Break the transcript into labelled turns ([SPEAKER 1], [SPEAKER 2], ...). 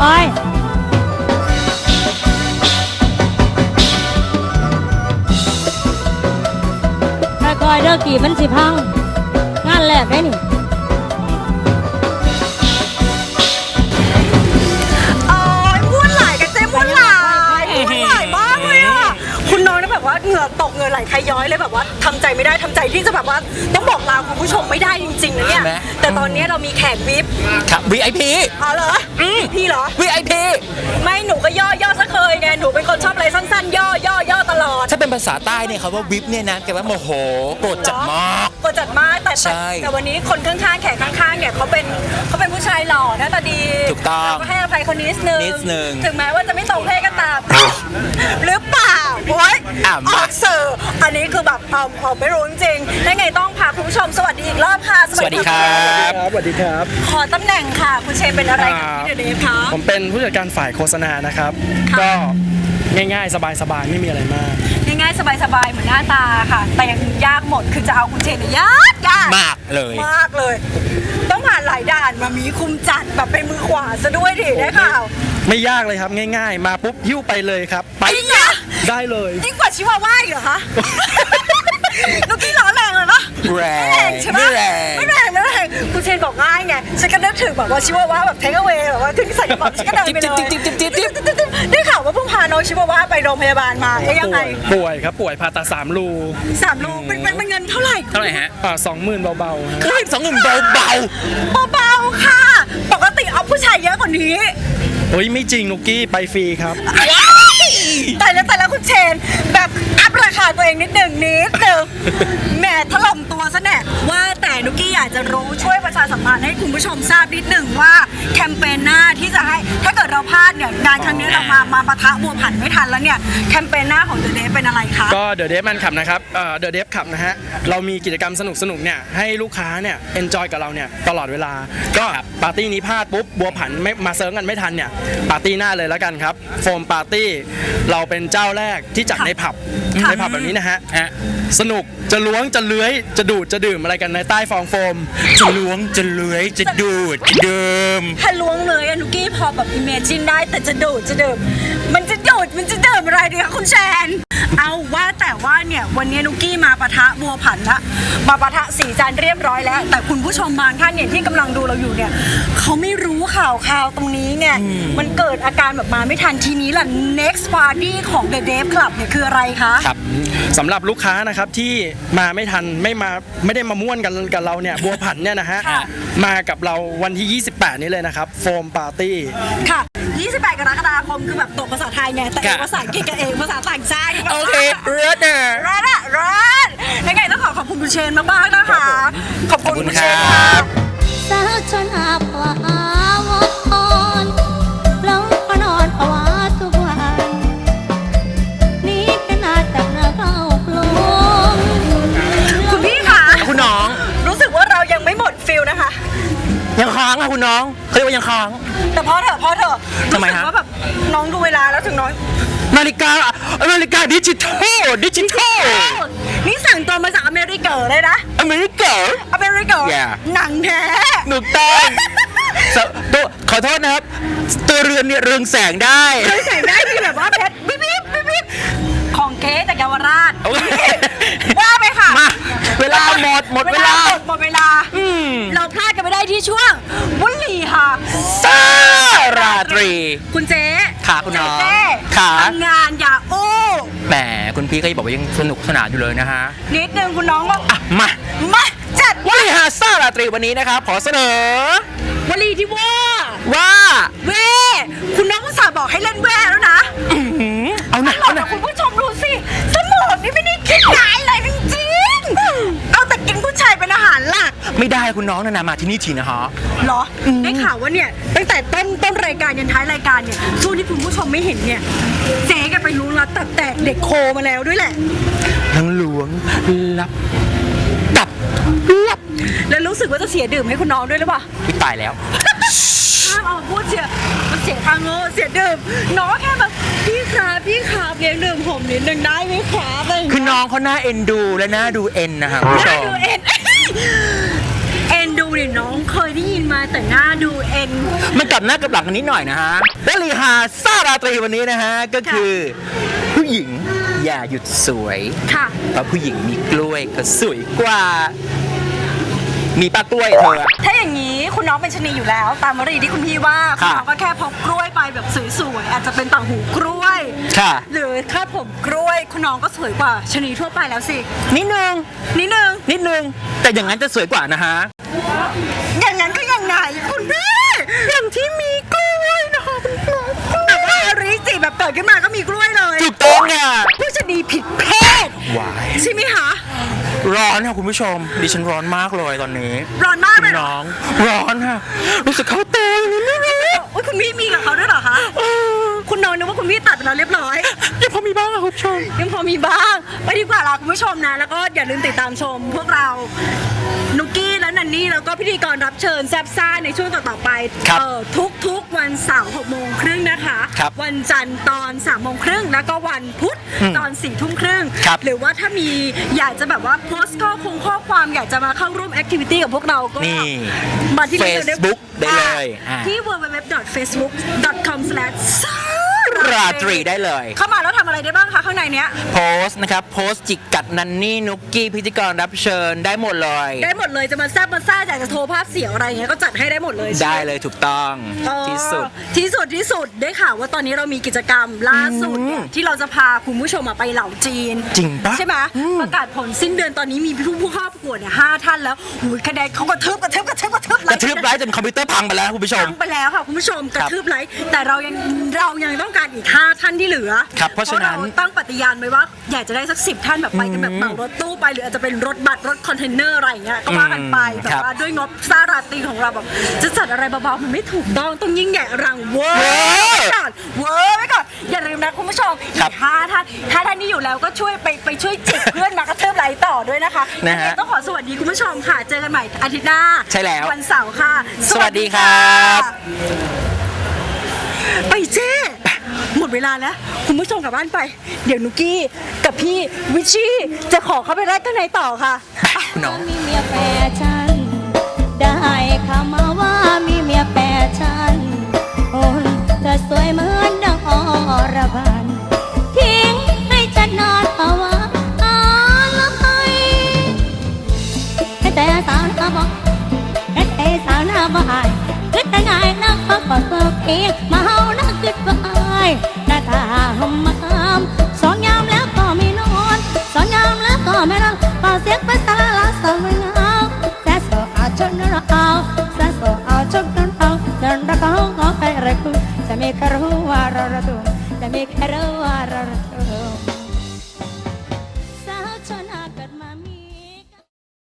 [SPEAKER 1] อยค่อยๆเด้อกี่มันสิพังงานแรกได้นี่
[SPEAKER 2] ม้วนหลายกันเจ๊ม้วนหลายมากเลยอ่ะคุณน้องนะแบบว่าเหงื่อตกเหงื่อไหลใครย้อยเลยแบบว่าทำใจไม่ได้ทำใจที่จะแบบว่าต้องบอกลาคุณผู้ชมไม่ได้จริงๆนะเนี่ยแต่ตอนนี้เรามีแขกวิป
[SPEAKER 3] ครับ VIP
[SPEAKER 2] อ๋อเหรอพี่เหรอ
[SPEAKER 3] VIP
[SPEAKER 2] ไม่หนูก็ย่อซะเคยไงหนูเป็นคนชอบอะไรสั้นๆย่อตลอด
[SPEAKER 3] ถ้าเป็นภาษาใต้เนี่ยเขาว่าวิปเนี่ยนะแกว่าโมโหโกรธจัดมาก
[SPEAKER 2] โกรธจัดมากแต่วันนี้คนข้างๆแขกข้างๆเนี่ยเขาเป็นผู้ชายหล่อหน้าตาดี
[SPEAKER 3] ถูกต้อง
[SPEAKER 2] ก็ให้อภัยคนนิดนึงถึงแม้ว่าจะไม่ตรงเพศก็ตามหรือเปล่าโอ๊ยออกเสิร์ฟอันนี้คือแบบไม่รู้จริงๆยังไงต้องพาคุณผู้ชมสวัสดีอีกรอบค่ะ
[SPEAKER 3] สวัสดีครับ
[SPEAKER 4] สวัสดีครับ
[SPEAKER 2] ขอตำแหน่งค่ะคุณเชนเป็นอะไรกับพี่เดฟคะ
[SPEAKER 4] ผมเป็นผู้จัดการฝ่ายโฆษณานะครับก็ง่ายๆสบายๆไม่มีอะไรมาก
[SPEAKER 2] ง่ายๆสบายๆเหมือนหน้าตาค่ะแต่ยังยากหมดคือจะเอาคุณเชนยาก
[SPEAKER 3] มากเลย
[SPEAKER 2] ต้องผ่านหลายด่านมามีคุมจัดแบบเป็นมือขวาซะด้วยดิได้ข่าว
[SPEAKER 4] ไม่ยากเลยครับง่ายๆมาปุ๊บหิ้วไปเลยครับไปได้เลย
[SPEAKER 2] ยิ่งกว่าชิวาว่าอีกเหรอคะลูกกี้ล้อแรงเลยนะ
[SPEAKER 3] แรง
[SPEAKER 2] ใช่ไหมไม่แรงคุณเชนบอกง่ายไงฉันก็นึกถึงแบบว่าชิวาว่าแบบเทคเอาไว้แบบว่าถึงใส่กระเป๋าฉันก็เดินไปเลยได้ข่าวว่าเพิ่งพาน้องชิวาว่าไปโรงพยาบาลมายังไง
[SPEAKER 4] ป่วยครับป่วยผ่าตัด3 รู
[SPEAKER 2] เป็นเงินเท่าไหร่
[SPEAKER 3] ฮะ
[SPEAKER 4] 20,000เบา
[SPEAKER 3] ๆคือ20,000เบา
[SPEAKER 2] ๆค่ะปกติเอาผู้ชายเยอะกว่านี้
[SPEAKER 4] โอ้ยไม่จริงนุกกี้ไปฟรีครับ
[SPEAKER 2] แต่แล้วคุณเชนแบบอัพราคาตัวเองนิดหนึ่งแหมถล่มตัวซะแน่ว่าแต่นุกกี้อยากจะรู้ช่วยประชาสัมพันธ์ให้คุณผู้ชมทราบนิดหนึ่งว่าแคมเปญหน้าที่จะให้ถ้าเกิดเราพลาดเนี่ยงานครั้งนี้เรามาปะทะบัวผันไม่ทันแล้วเนี่ยแคมเปญหน้าของเดอะเดฟเป็นอะไรคะ
[SPEAKER 4] ก็เดอะเดฟมันขับนะครับเดอะเดฟขับนะฮะเรามีกิจกรรมสนุกเนี่ยให้ลูกค้าเนี่ยเอนจอยกับเราเนี่ยตลอดเวลาก็ปาร์ตี้นี้พลาดปุ๊บบัวผันไม่มาเซิร์ฟกันไม่ทันเนี่ยปาร์ตี้หน้าเลยแล้วกันครับโฟมปาร์ตี้เราเป็นเจ้าแรกที่จัดในผับแบบนี้นะฮะสนุกจะล้วงจะเลื้อยจะดูดจะดื่มอะไรกันในใต้ฟองโฟม
[SPEAKER 3] จะล้วงจะเลื้อยจะดูดจะดื่ม
[SPEAKER 2] ถ้าล้วงเลยนุกกี้พอแบบอิมเมจินได้แต่จะดูดจะดื่มมันจะดูดมันจะดื่มอะไรดีคะคุณแชนเอาว่าแต่ว่าเนี่ยวันนี้นุกกี้มาปะทะบัวผันละมาปะทะสีจันเรียบร้อยแล้วแต่คุณผู้ชมบางท่านเนี่ยที่กำลังดูเราอยู่เนี่ยเขาไม่รู้ข่าวตรงนี้ไงมันเกิดอาการแบบมาไม่ทันทีนี้ล่ะ next party ของ The Dev Club เนี่ยคืออะไรคะ
[SPEAKER 4] ครับสำหรับลูกค้านะครับที่มาไม่ทันไม่ได้มาม่วนกันกับเราเนี่ยบัวผันเนี่ยนะฮะมากับเราวันที่28นี้เลยนะครับโฟมปาร์ตี้
[SPEAKER 2] ค่ะ28 กรกฎาคมคือแบบตกภาษาไทยไงแต่ภาษาอังกฤษกันเองภาษาต่างชาติ
[SPEAKER 3] โอเครัด
[SPEAKER 2] ยังไงต้องขอบคุณคุณเชนมากๆนะคะขอบคุณคุณเชนครับ
[SPEAKER 1] สาวชนอาภวาวอนลงพนอนภาวะทุกวันนี่เป็นอาจจากนาเข้าปลง
[SPEAKER 2] คุณพี่คะ
[SPEAKER 3] คุณน้อง
[SPEAKER 2] รู้สึกว่าเรายังไม่หมดฟิลนะคะ
[SPEAKER 3] ยังค้างอะคุณน้องเขาเรียกว่ายังค้าง
[SPEAKER 2] แต่พอเถอะ
[SPEAKER 3] ทำไมฮะ
[SPEAKER 2] ว่าแบบน้องดูเวลาแล้วถึงน้อง
[SPEAKER 3] นาฬิกาดิจิทัล
[SPEAKER 2] นี่สั่งตัวมาจากอเมริกาเลยนะ
[SPEAKER 3] อเมริกา
[SPEAKER 2] หนังแท้
[SPEAKER 3] หนุกต้องตัวขอโทษนะครับตัวเรือนเนี่ยเรืองแสงได้
[SPEAKER 2] ที่แบบว่าเพชรบิ๊บของเก๊จากเยาวราชว่าไปค่ะ
[SPEAKER 3] มาเวลาหมดเวลา
[SPEAKER 2] เราพลาดกันไม่ได้ที่ช่วงวุ้นหลีค่ะ
[SPEAKER 3] ซาราตรี
[SPEAKER 2] คุณเจ๊
[SPEAKER 3] ขาคุณน้อง
[SPEAKER 2] ขาทำงานอย่าอู้
[SPEAKER 3] แหมคุณพี่ก็บอกว่ายังสนุกสนานอยู่เลยนะฮะ
[SPEAKER 2] นิดนึงคุณน้องว่า
[SPEAKER 3] มา
[SPEAKER 2] จัด
[SPEAKER 3] วลีฮาซาราตรีวันนี้นะครับขอเสนอ
[SPEAKER 2] วลีที่ว่าเว่คุณน้องอุตส่าห์บอกให้เล่นแว่แล้วนะ
[SPEAKER 3] เอาหน่ะ
[SPEAKER 2] คุณผู้ชมดูสิสมองนี่ไม่ได้คิดร้ายเลยจริงๆเอาแต่กินผู้ชายเป็นอาหารหลัก
[SPEAKER 3] ไม่ได้คุณน้องนามาที่นี่ทีนะฮะ
[SPEAKER 2] เหรอได้ข่าวว่าเนี่ยตั้งแต่ต้นรายการยันท้ายรายการเนี่ยช่วงที่คุณผู้ชมไม่เห็นเนี่ยเจ๊กันไปรู้ลับตัดแตกเด็กโคมาแล้วด้วยแหละ
[SPEAKER 3] ทั้งหลวงลับ
[SPEAKER 2] แล้วรู้สึกว่าจะเสียดื่มให้คุณน้องด้วยหรือเปล่า
[SPEAKER 3] ตายแล้ว
[SPEAKER 2] ห้ามเอาพูดมันเสียทางโง่เสียดื่มน้องแค่แบบพี่ครับเลี้ยงดื่มผมนิดนึงได้ไหมครับ
[SPEAKER 3] คือน้องเขาหน้าเอ็นดูและหน้าดูเอ็นนะครับ
[SPEAKER 2] หน้าดูเอ็นดูเนี่ยน้องเคยได้ยินมาแต่หน้าดูเอ็น
[SPEAKER 3] มันกลับหน้ากลับหลังกันนิดหน่อยนะฮะและลีฮาซ่าราตรีวันนี้นะฮะ ก็คือผู้หญิงอย่าหยุดสวย
[SPEAKER 2] ค่ะ
[SPEAKER 3] เพราะผู้หญิงมีกล้วยก็สวยกว่า มีปลากล้วยเธอ
[SPEAKER 2] ถ้าอย่างนี้คุณน้องเป็นชะนีอยู่แล้ว ตามวลีที่คุณพี่ว่าคุณน้องก็แค่พกกล้วยไปแบบสวยๆอาจจะเป็นต่างหูกล้วย
[SPEAKER 3] ค่ะ
[SPEAKER 2] หรือถ้าผมกล้วยคุณน้องก็สวยกว่าชะนีทั่วไปแล้วสิ
[SPEAKER 3] นิดนึง
[SPEAKER 2] นิดนึง
[SPEAKER 3] นิดนึง แต่อย่างนั้นจะสวยกว่านะฮะ
[SPEAKER 2] อย่างนั้นก็ยังไงคุณพี่อย่างที่มีกล้วยนะคะแต่ว่าอริจิแบบเกิดขึ้นมาก็มีกล้วยเลย
[SPEAKER 3] ถูกต้องค่ะ
[SPEAKER 2] ผู้ชะนีผิดเพศ
[SPEAKER 3] วาย
[SPEAKER 2] ใช่ไหมคะ
[SPEAKER 3] ร้อนค่ะคุณผู้ชม ดิฉันร้อนมากเลยตอนนี้
[SPEAKER 2] ร้อนมากเลยเหรอ
[SPEAKER 3] น้อง ร้อนค่ะ รู้สึกเข้าเตงนิดนึง
[SPEAKER 2] อุ๊ยคุณพี่มีกับเขาด้วยเหรอคะคุณน้องนึกว่าคุณพี่ตัดไปแล้วเรียบร้อย
[SPEAKER 3] ยังพอมีบ้างค่ะคุณผู้ชม
[SPEAKER 2] ยังพอมีบ้างไปดีกว่าล่ะคุณผู้ชมนะ แล้วก็อย่าลืมติดตามชมพวกเรานุกกี้และนันนี่แล้วก็พิธีกรรับเชิญแซบซ่าในช่วงต่อๆไป
[SPEAKER 3] ครับ
[SPEAKER 2] ทุกวันเสาร์6:30นะคะ
[SPEAKER 3] ครับ
[SPEAKER 2] วันจันทร์ตอน3:30แล้วก็วันพุธตอน4:30
[SPEAKER 3] ครับ
[SPEAKER 2] หรือว่าถ้ามีอยากจะแบบว่าโพสต์ข้อความอยากจะมาเข้าร่วมแอคทิวิตี้กับพวกเราก็
[SPEAKER 3] นี่
[SPEAKER 2] มาที่
[SPEAKER 3] Facebook ได้เลยอ่า
[SPEAKER 2] ที่ www.facebook.com/
[SPEAKER 3] ราตรีได้เลย
[SPEAKER 2] เข้ามาแล้วทำอะไรได้บ้างคะข้างในเนี้ย
[SPEAKER 3] โพสต์นะครับ โพสต์จิกกัดนันนี่นุกกี้พิธีกรรับเชิญได้หมดเลย
[SPEAKER 2] ได้หมดเลยจะมาแซบมาซ่าอยากจะโทรภาพเสียงอะไรอย่างเงี้ยก็จัดให้ได้หมดเลยใช่หม
[SPEAKER 3] ได้เลยถูกต้อง
[SPEAKER 2] อ๋อ
[SPEAKER 3] ที่สุด
[SPEAKER 2] ที่สุดได้ข่าวว่าตอนนี้เรามีกิจกรรมล่าสุดเนี่ยที่เราจะพาคุณผู้ชมไปเหล่าจีน
[SPEAKER 3] จริงปะ
[SPEAKER 2] ใช่ไหมประกาศผลสิ้นเดือนตอนนี้มีผู้เข้าประกวดเนี่ย5 ท่านแล้วหูยคะแนนเขากระทืบ
[SPEAKER 3] กระทืบไลฟ์จนคอมพิวเตอร์พังไปแล้วคุณผู้ชม
[SPEAKER 2] ไปแล้วค่ะคุณผู้ชมกระทืบไลค์แต่เรายังต้องการอีก5 ท่านที่เหลือ
[SPEAKER 3] ครับเพราะฉะนั้น
[SPEAKER 2] ตั้งปฏิญาณไว้ว่าอยากจะได้สัก10 ท่านแบบไปกันแบบเหมารถตู้ไปหรืออาจจะเป็นรถบัสรถคอนเทนเนอร์อะไรอย่างเงี้ยก็ว่ากันไปแต่ว่าด้วยงบซาราตรีของเราแบบจะจัดอะไรเบาๆมันไม่ถูกต้องยิ่งใหญ่อลังเวอร์ไว้ก่อนอย่าลืมนะคุณผู้ชมอีก5 ท่านถ้าท่านนี้อยู่แล้วก็ช่วยไปช่วยจิกเพื่อนมากระเทิบไลค์ต่อด้วยนะคะ
[SPEAKER 3] นะฮะ
[SPEAKER 2] ต้องขอสวัสดีคุณผู้ชมค่ะเจอกันใหม่อาทิตย์หน้า
[SPEAKER 3] ใช่แล้ว
[SPEAKER 2] วันเสาร์ค่ะ
[SPEAKER 3] สวัสดีครับ
[SPEAKER 2] ไปเจ้หมดเวลาแล้วคุณผู้ชมกลับบ้านไป เดี๋ยวนุกกี้กับพี่วิชชี่จะขอเข้าไปแรกข้างในต่อค่ะ
[SPEAKER 3] น้อง
[SPEAKER 1] มีเมียแฟชั่นได้ข่าวมาว่ามีเมียแฟชั่นโอ้ยเธอสวยเหมือนดังอรพันทิ้งให้ฉันนอนภาวะอะไรให้แต่สาวหน้าบอกให้แต่สาวหน้าบ่ายคิดแต่ไงนักก็เปิดเองมาเฮานักคิดบ่ายหน้าตาหอมมามสองยามแล้วก็ไม่นอนสองยามแล้วก็ไม่นอนเป่าเสียงไปสารละสวยงามแต่โซเอาจนเราแต่โซเอาจนเราเดินรักเขาไปรักคุณจะไม่รู้ว่าเราจะไม่รู้ว่าเรา